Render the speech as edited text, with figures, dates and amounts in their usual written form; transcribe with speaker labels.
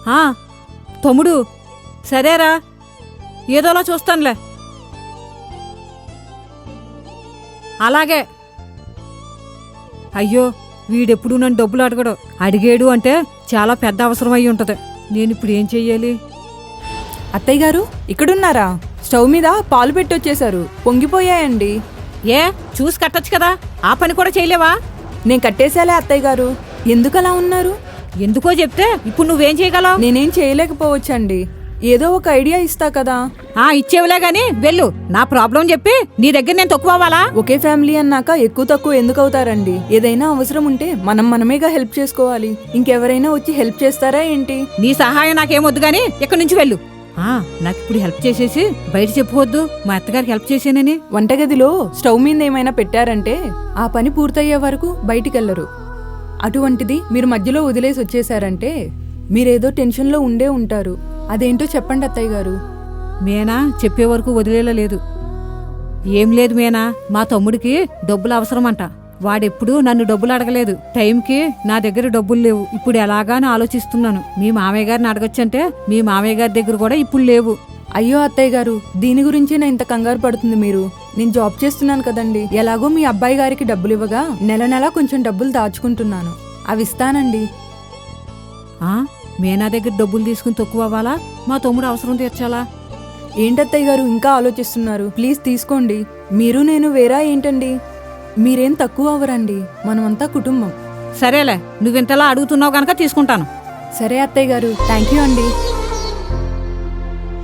Speaker 1: ఆ, తమ్ముడు సరేరా, ఏదోలా చూస్తానులే. అలాగే. అయ్యో, వీడెప్పుడు నన్ను డబ్బులు అడగడు. అడిగాడు అంటే చాలా పెద్ద అవసరం అయి ఉంటుంది. నేను ఇప్పుడు ఏం చెయ్యాలి?
Speaker 2: అత్తయ్య గారు ఇక్కడున్నారా? స్టవ్ మీద పాలు పెట్టొచ్చేశారు, పొంగిపోయాయండి.
Speaker 1: ఏ, చూసి కట్టొచ్చు కదా, ఆ పని కూడా చేయలేవా?
Speaker 2: నేను కట్టేశాలే అత్తయ్య గారు. ఎందుకలా ఉన్నారు?
Speaker 1: ఎందుకో చెప్తే ఇప్పుడు నువ్వేం చేయగలవు?
Speaker 2: నేనేం చేయలేకపోవచ్చండి, ఏదో ఒక ఐడియా ఇస్తా కదా.
Speaker 1: ఇచ్చేవులే గాని వెళ్ళు. నా ప్రాబ్లం చెప్పి నీ దగ్గర నేను తక్కువ అవ్వాలా?
Speaker 2: ఒకే ఫ్యామిలీ అన్నాక ఎక్కువ తక్కువ ఎందుకు అవుతారండి? ఏదైనా అవసరం ఉంటే మనమేగా హెల్ప్ చేసుకోవాలి. ఇంకెవరైనా వచ్చి హెల్ప్ చేస్తారా ఏంటి?
Speaker 1: నీ సహాయం నాకేమొద్దు గాని ఇక్కడి నుంచి వెళ్ళు. నాకు ఇప్పుడు హెల్ప్ చేసేసి బయట చెప్పుకోవద్దు మా అత్తగారికి హెల్ప్ చేసానని.
Speaker 2: వంటగదిలో స్టవ్ మీద ఏమైనా పెట్టారంటే ఆ పని పూర్తయ్యే వరకు బయటికెళ్లరు. అటువంటిది మీరు మధ్యలో వదిలేసి వచ్చేసారంటే మీరేదో టెన్షన్లో ఉండే ఉంటారు. అదేంటో చెప్పండి అత్తయ్య గారు.
Speaker 1: మేనా చెప్పే వరకు వదిలేలా లేదు. ఏం లేదు మేనా, మా తమ్ముడికి డబ్బులు అవసరమంట. వాడెప్పుడు నన్ను డబ్బులు అడగలేదు. టైంకి నా దగ్గర డబ్బులు లేవు. ఇప్పుడు ఎలాగాని ఆలోచిస్తున్నాను. మీ మామయ్య గారిని అడగొచ్చంటే మీ మామయ్య గారి దగ్గర కూడా ఇప్పుడు లేవు.
Speaker 2: అయ్యో అత్తయ్య గారు, దీని గురించి నా ఇంత కంగారు పడుతుంది మీరు. నేను జాబ్ చేస్తున్నాను కదండి. ఎలాగో మీ అబ్బాయి గారికి డబ్బులు ఇవ్వగా నెల నెలా కొంచెం డబ్బులు దాచుకుంటున్నాను. అవి ఇస్తానండి.
Speaker 1: మేనా దగ్గర డబ్బులు తీసుకుని తక్కువ అవ్వాలా? మా తమ్ముడు అవసరం తీర్చాలా?
Speaker 2: ఏంటత్తయ్య గారు ఇంకా ఆలోచిస్తున్నారు? ప్లీజ్ తీసుకోండి. మీరు నేను వేరా ఏంటండి? మీరేం తక్కువ అవ్వరండి, మనమంతా కుటుంబం.
Speaker 1: సరేలే, నువ్వింతలా అడుగుతున్నావు గనక తీసుకుంటాను.
Speaker 2: సరే అత్తయ్య గారు, థ్యాంక్ యూ అండి.